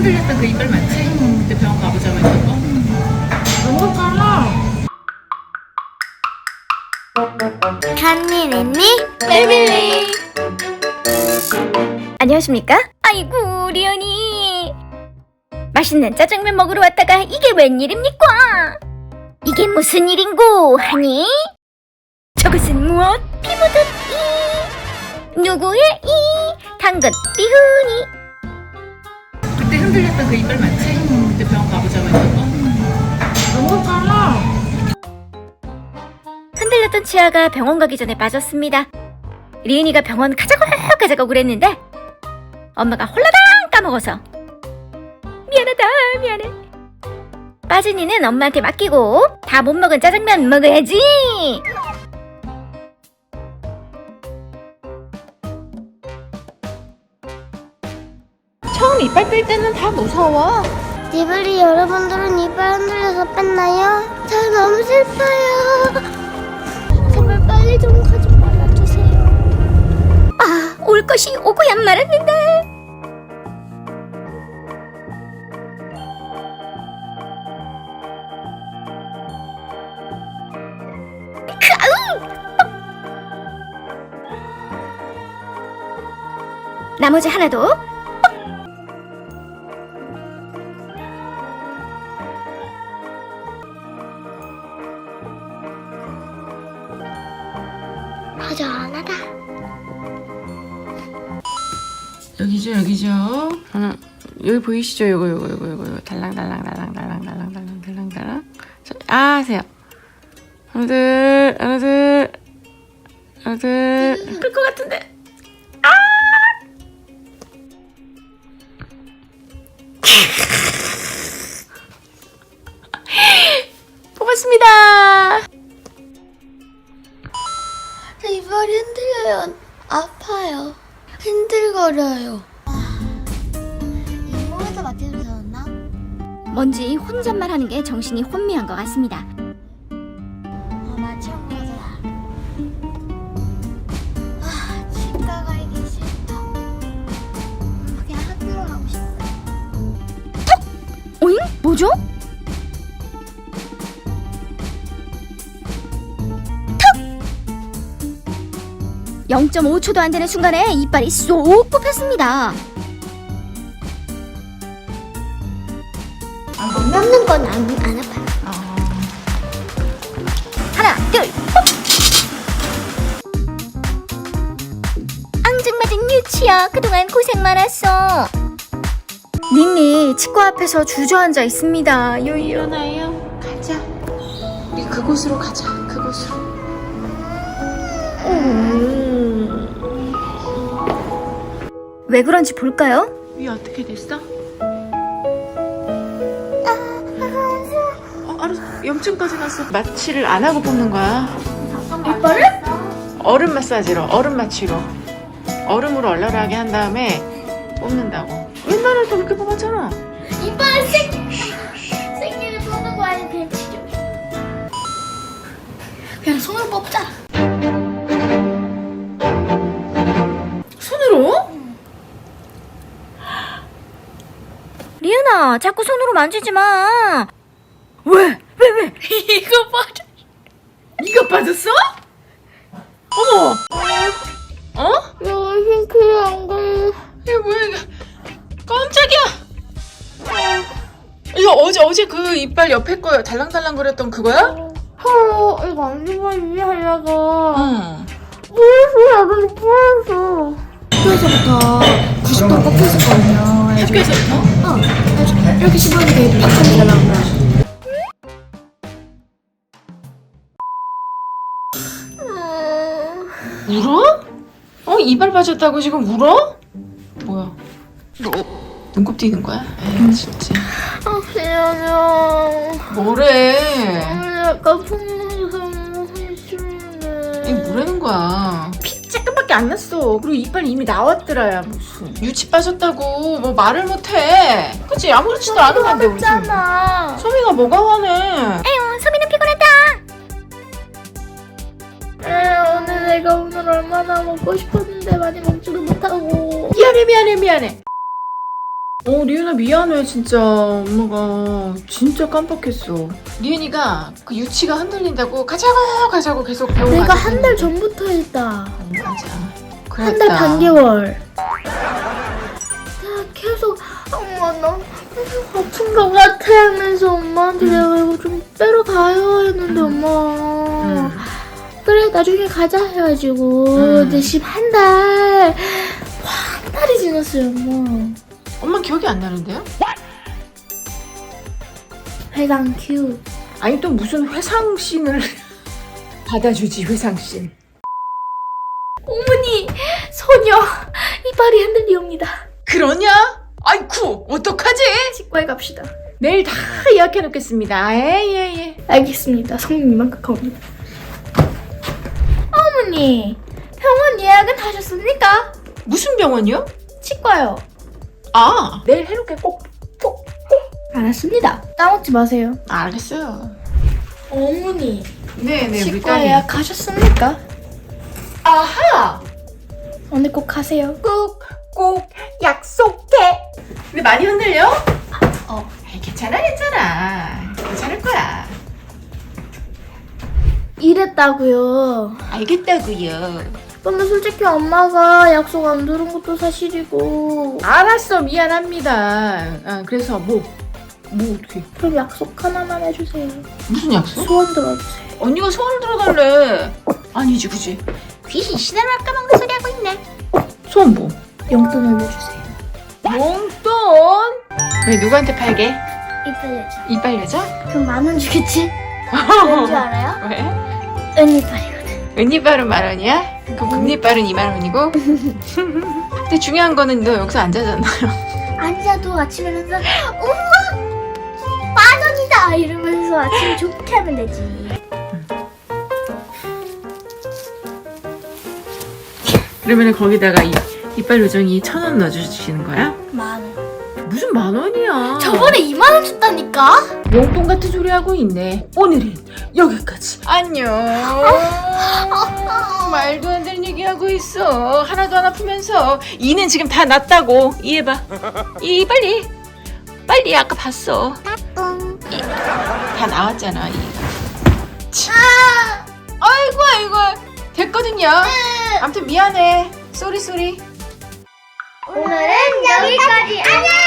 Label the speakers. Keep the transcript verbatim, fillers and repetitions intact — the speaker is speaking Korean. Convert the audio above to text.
Speaker 1: 흔들렸던 그 이빨 맞지? 응. 그때 병원 가보자고 했던 거?
Speaker 2: 너무 빨라.
Speaker 3: 한일 앤니 패밀리. 안녕하십니까? 아이고 리언이 맛있는 짜장면 먹으러 왔다가 이게 웬일입니까? 이게 무슨 일인고 하니? 저것은 무엇? 피 묻은 이 누구의 이 당근 띠훈이.
Speaker 1: 그때 흔들렸던 그 이빨 맞지? 응. 그때 병원 가보자고 했던 거?
Speaker 2: 너무 빨라.
Speaker 3: 흔들렸던 치아가 병원 가기 전에 빠졌습니다. 리은이가 병원 가자고 가자고 그랬는데 엄마가 홀라당 까먹어서 미안하다 미안해. 빠진 이는 엄마한테 맡기고 다 못 먹은 짜장면 먹어야지.
Speaker 2: 처음 이빨 뺄 때는 다 무서워.
Speaker 4: 니블리 여러분들은 이빨 흔들려서 뺐나요? 저 너무 슬퍼요. 제발 빨리 좀 가지 말아주세요.
Speaker 3: 아, 올 것이 오고야 말았는데. 나머지 하나도
Speaker 4: 허전하다.
Speaker 1: 여기죠 여기죠. 하나 여기 보이시죠? 요거 요거 요거 요거 요거 달랑달랑 달랑 달랑 달랑 달랑 달랑 달랑. 아 하세요. 하나 둘 하나 둘 하나 둘. 끌 것 같은데. 아! 뽑았습니다.
Speaker 4: 제 이빨이 흔들려요. 아파요. 흔들거려요. 이모에서 맞춰주셨나?
Speaker 3: 뭔지 혼잣말 하는 게 정신이 혼미한 것 같습니다.
Speaker 4: 아, 맞춘 거잖아. 아, 치과 가기 싫다. 그냥 학교 가고 싶다.
Speaker 3: 오잉? 뭐죠? 영 점 오 초도 안 되는 순간에 이빨이 쏙 뽑혔습니다.
Speaker 4: 먹는 건 안 안 아파요.
Speaker 3: 하나, 둘, ปุ๊! 앙증맞은 유치야, 그동안 고생 많았어. 닌니 치과 앞에서 주저앉아 있습니다. 요요.
Speaker 1: 일어나요. 가자. 우리 그곳으로 가자. 그곳으로.
Speaker 3: 왜 그런지 볼까요?
Speaker 1: 위 어떻게 됐어? 어, 알았어. 염증까지 났어. 마취를 안 하고 뽑는 거야.
Speaker 3: 이빨을?
Speaker 1: 얼음 마사지로, 얼음 마취로. 얼음으로 얼얼하게 한 다음에 뽑는다고. 옛날에도 그렇게 뽑았잖아.
Speaker 4: 이빨 생 생기를 뽑는 거 아니면 그냥 치료. 그냥 손으로 뽑자.
Speaker 1: 손으로?
Speaker 3: 리은아, 자꾸 손으로 만지지 마. 왜? 왜, 왜?
Speaker 4: 이거 빠져.
Speaker 1: 이거 빠졌어? 어머! 어?
Speaker 4: 너 싱크에 안 걸려.
Speaker 1: 이게 뭐야, 이거. 깜짝이야! 이거 어제, 어제 그 이빨 옆에 거 달랑달랑 거렸던 그거야?
Speaker 4: 헐, 이거 안주가 유지하려고.
Speaker 1: 응.
Speaker 4: 뿌렸어, 나도 뿌렸어. 학교에서부터 구십 도 꺾여 있었거든요.
Speaker 1: 학교에서부터?
Speaker 4: 어, 이렇게 씹었는데 팍 터지더라고요.
Speaker 1: 울어? 어? 이빨 빠졌다고 지금 울어? 뭐야? 눈곱 띄는 거야? 에이, 진짜.
Speaker 4: 아, 미안해요.
Speaker 1: 뭐래?
Speaker 4: 약간 풍문에서 너무 싫은데.
Speaker 1: 이게 뭐라는 거야?
Speaker 2: 피 조금밖에 안 났어. 그리고 이빨 이미 나왔더라야 무슨.
Speaker 1: 유치 빠졌다고 뭐 말을 못해. 그치? 아무렇지도 않은 건데 우리 소미.
Speaker 4: 했잖아.
Speaker 1: 소미가 뭐가 화내?
Speaker 3: 에휴, 소미는 피곤하다.
Speaker 4: 에, 오늘 내가 오늘 얼마나 먹고 싶었는데 많이 먹지도 못하고.
Speaker 1: 미안해 미안해 미안해. 어, 리은아 미안해 진짜. 엄마가 진짜 깜빡했어. 리은이가 그 유치가 흔들린다고 가자고 가자고 계속 병원
Speaker 2: 내가
Speaker 1: 가자고
Speaker 2: 한 달
Speaker 1: 했는데.
Speaker 2: 전부터 했다.
Speaker 1: 어, 맞아.
Speaker 2: 한 달
Speaker 1: 그랬다.
Speaker 2: 반 개월. 내가 계속 엄마 나 아픈 것 같아 하면서 엄마한테
Speaker 1: 응.
Speaker 2: 내가 이거 좀 빼러 가요 했는데 엄마
Speaker 1: 응.
Speaker 2: 그래 나중에 가자 해가지고
Speaker 1: 응.
Speaker 2: 근데 지금 한 달, 한 달이 지났어요 엄마.
Speaker 1: 엄마 기억이 안 나는데요?
Speaker 2: 회장 큐.
Speaker 1: 아니 또 무슨 회상신을 받아주지 회상신.
Speaker 2: 어머니 소녀 이빨이 흔들리옵니다.
Speaker 1: 그러냐? 아이쿠 어떡하지?
Speaker 2: 치과에 갑시다.
Speaker 1: 내일 다 예약해 놓겠습니다. 예예예.
Speaker 2: 알겠습니다. 성님 이만큼입니다. 어머니 병원 예약은 하셨습니까?
Speaker 1: 무슨 병원이요?
Speaker 2: 치과요.
Speaker 1: 아 내일 해놓게 꼭 꼭.
Speaker 2: 알았습니다. 까먹지 마세요.
Speaker 1: 알겠어요.
Speaker 2: 어머니
Speaker 1: 네네 우리
Speaker 2: 치과
Speaker 1: 딸이.
Speaker 2: 예약 하셨습니까?
Speaker 1: 아하.
Speaker 2: 오늘 꼭 가세요.
Speaker 1: 꼭, 꼭 약속해. 근데 많이 흔들려?
Speaker 2: 어.
Speaker 1: 에이, 괜찮아, 괜찮아. 괜찮을 거야.
Speaker 2: 이랬다고요.
Speaker 1: 알겠다고요.
Speaker 2: 근데 솔직히 엄마가 약속 안 들은 것도 사실이고.
Speaker 1: 알았어, 미안합니다. 아, 그래서 뭐, 뭐 어떻게?
Speaker 2: 그럼 약속 하나만 해주세요.
Speaker 1: 무슨 약속?
Speaker 2: 소원 들어주세요.
Speaker 1: 언니가 소원을 들어달래. 아니지, 그지?
Speaker 3: 귀신 신화를 까먹는 소리 하고 있네.
Speaker 1: 소원 뭐?
Speaker 2: 용돈을 내주세요.
Speaker 1: 용돈? 왜 누구한테 팔게?
Speaker 2: 이빨 여자.
Speaker 1: 이빨 여자?
Speaker 2: 그럼 만 원 주겠지? 왠지 알아요?
Speaker 1: 왜?
Speaker 2: 은이빨이거든.
Speaker 1: 은이빨은 만 원이야? 그럼 금리빨은 이만 원이고? 근데 중요한 거는 너 여기서 앉아잖아요.
Speaker 2: 앉아도 아침에 일어나서 엄마 만 원이다 이러면서 아침 좋게 하면 되지.
Speaker 1: 그러면 거기다가 이, 이빨 요정이 천 원 넣어주시는 거야?
Speaker 2: 만 원.
Speaker 1: 무슨 만 원이야?
Speaker 2: 저번에 이만 원 줬다니까?
Speaker 1: 용돈 같은 소리 하고 있네. 오늘은 여기까지. 안녕. 말도 안 되는 얘기 하고 있어. 하나도 안 아프면서. 이는 지금 다 났다고. 이해봐. 이 빨리. 빨리 아까 봤어. 이, 다 나왔잖아. 이가. 치. 아이고 아이고. 됐거든요. 아무튼 미안해. 쏘리 쏘리.
Speaker 4: 오늘은 여기까지. 안녕.